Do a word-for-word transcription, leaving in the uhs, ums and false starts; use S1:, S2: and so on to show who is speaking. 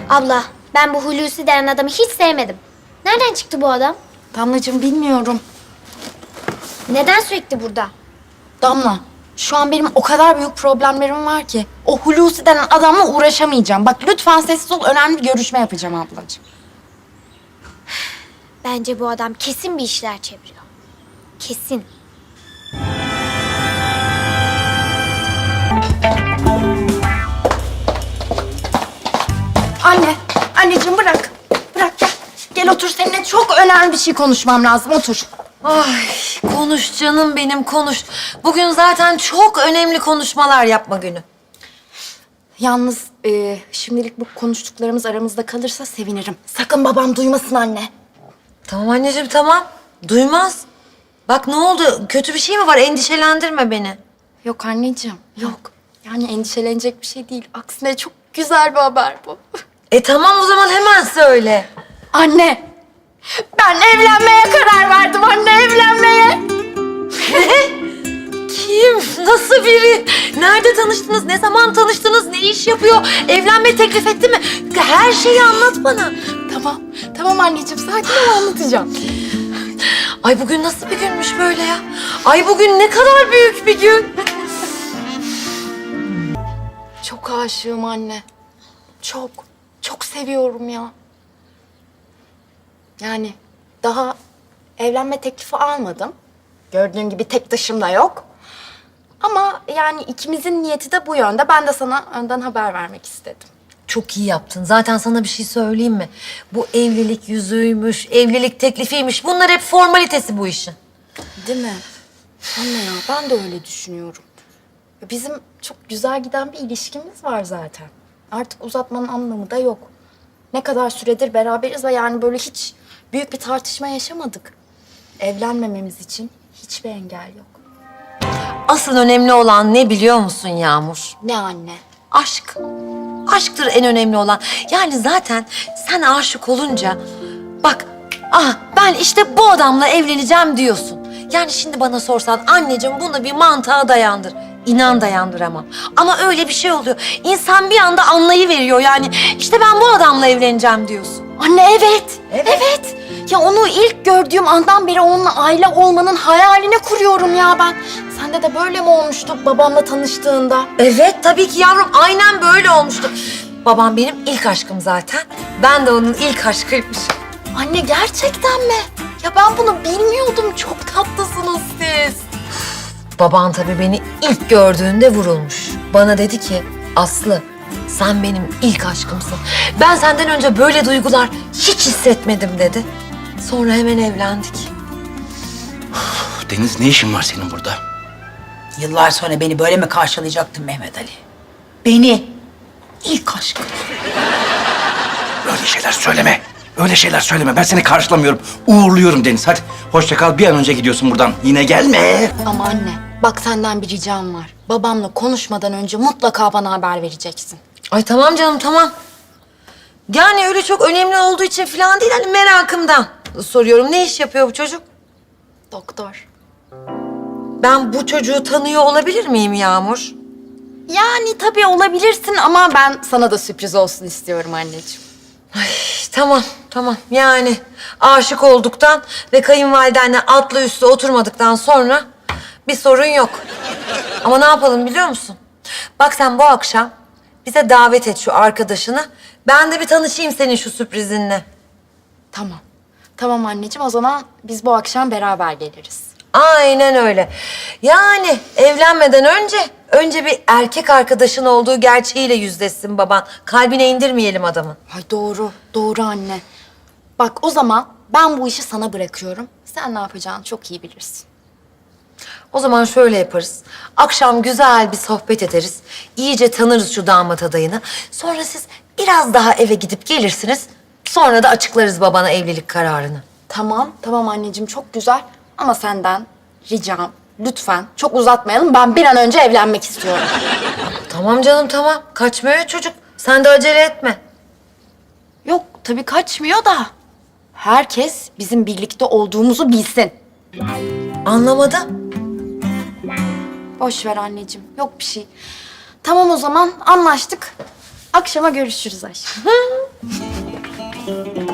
S1: Abla, ben bu Hulusi denen adamı hiç sevmedim. Nereden çıktı bu adam?
S2: Damlacığım bilmiyorum.
S1: Neden sürekli burada?
S2: Damla, şu an benim o kadar büyük problemlerim var ki. O Hulusi denen adamla uğraşamayacağım. Bak lütfen sessiz ol, önemli bir görüşme yapacağım ablacığım.
S1: Bence bu adam kesin bir işler çeviriyor. Kesin.
S2: Anne, anneciğim bırak. Bırak gel. Gel otur, seninle çok önemli bir şey konuşmam lazım, otur.
S3: Ay konuş canım benim konuş. Bugün zaten çok önemli konuşmalar yapma günü.
S2: Yalnız e, şimdilik bu konuştuklarımız aramızda kalırsa sevinirim. Sakın babam duymasın anne.
S3: Tamam anneciğim tamam. Duymaz. Bak ne oldu? Kötü bir şey mi var? Endişelendirme beni.
S2: Yok anneciğim, yok. Yani endişelenecek bir şey değil. Aksine çok güzel bir haber bu.
S3: E tamam o zaman hemen söyle.
S2: Anne, ben evlenmeye karar verdim anne, evlenmeye.
S3: Kim? Nasıl biri? Nerede tanıştınız? Ne zaman tanıştınız? Ne iş yapıyor? Evlenme teklif etti mi? Her şeyi anlat bana.
S2: Tamam, tamam anneciğim, sakin ol, anlatacağım.
S3: Ay bugün nasıl bir günmüş böyle ya? Ay bugün ne kadar büyük bir gün.
S2: Çok aşığım anne. Çok, çok seviyorum ya. Yani daha evlenme teklifi almadım. Gördüğün gibi tek taşım da yok. Ama yani ikimizin niyeti de bu yönde. Ben de sana önden haber vermek istedim.
S3: Çok iyi yaptın. Zaten sana bir şey söyleyeyim mi? Bu evlilik yüzüğüymüş, evlilik teklifiymiş. Bunlar hep formalitesi bu işin.
S2: Değil mi? Anne ya, ben de öyle düşünüyorum. Bizim çok güzel giden bir ilişkimiz var zaten. Artık uzatmanın anlamı da yok. Ne kadar süredir beraberiz ve yani böyle hiç büyük bir tartışma yaşamadık. Evlenmememiz için hiçbir engel yok.
S3: Asıl önemli olan ne biliyor musun Yağmur?
S2: Ne anne?
S3: Aşk. Aşktır en önemli olan. Yani zaten sen aşık olunca... Bak, ah ben işte bu adamla evleneceğim diyorsun. Yani şimdi bana sorsan anneciğim bunu bir mantığa dayandır. İnan dayandıramam. Ama öyle bir şey oluyor. İnsan bir anda anlayıveriyor yani. İşte ben bu adamla evleneceğim diyorsun.
S2: Anne evet.
S3: Evet.
S2: Evet. Ya onu ilk gördüğüm andan beri onunla aile olmanın hayalini kuruyorum ya ben. Sende de böyle mi olmuştu babamla tanıştığında?
S3: Evet tabii ki yavrum aynen böyle olmuştu. Babam benim ilk aşkım zaten. Ben de onun ilk aşkıymış.
S2: Anne gerçekten mi? Ya ben bunu bilmiyordum. Çok tatlısınız siz.
S3: Baban tabii beni ilk gördüğünde vurulmuş. Bana dedi ki Aslı sen benim ilk aşkımsın. Ben senden önce böyle duygular hiç hissetmedim dedi. Sonra hemen evlendik.
S4: Deniz, ne işin var senin burada?
S5: Yıllar sonra beni böyle mi karşılayacaktın Mehmet Ali? Beni, ilk aşkım.
S4: Öyle şeyler söyleme. Öyle şeyler söyleme. Ben seni karşılamıyorum. Uğurluyorum Deniz. Hadi hoşça kal. Bir an önce gidiyorsun buradan. Yine gelme.
S2: Ama anne bak senden bir ricam var. Babamla konuşmadan önce mutlaka bana haber vereceksin.
S3: Ay tamam canım tamam. Yani öyle çok önemli olduğu için falan değil hani merakımdan soruyorum. Ne iş yapıyor bu çocuk?
S2: Doktor.
S3: Ben bu çocuğu tanıyor olabilir miyim Yağmur?
S2: Yani tabii olabilirsin ama ben sana da sürpriz olsun istiyorum anneciğim.
S3: Ay tamam tamam yani aşık olduktan ve kayınvalidenle atlı üstü oturmadıktan sonra bir sorun yok. Ama ne yapalım biliyor musun? Bak sen bu akşam bize davet et şu arkadaşını. Ben de bir tanışayım senin şu sürprizinle.
S2: Tamam. Tamam anneciğim, o zaman biz bu akşam beraber geliriz.
S3: Aynen öyle. Yani evlenmeden önce önce bir erkek arkadaşın olduğu gerçeğiyle yüzleşsin baban. Kalbine indirmeyelim adamın.
S2: Ay doğru, doğru anne. Bak o zaman ben bu işi sana bırakıyorum. Sen ne yapacağını çok iyi bilirsin.
S3: O zaman şöyle yaparız. Akşam güzel bir sohbet ederiz. İyice tanırız şu damat adayını. Sonra siz biraz daha eve gidip gelirsiniz. Sonra da açıklarız babana evlilik kararını.
S2: Tamam, tamam anneciğim, çok güzel. Ama senden ricam, lütfen çok uzatmayalım. Ben bir an önce evlenmek istiyorum.
S3: Tamam canım tamam. Kaçmıyor çocuk. Sen de acele etme.
S2: Yok, tabii kaçmıyor da. Herkes bizim birlikte olduğumuzu bilsin.
S3: Anlamadım.
S2: Boş ver anneciğim, yok bir şey. Tamam o zaman, anlaştık. Akşama görüşürüz aşkım.
S3: Hadi.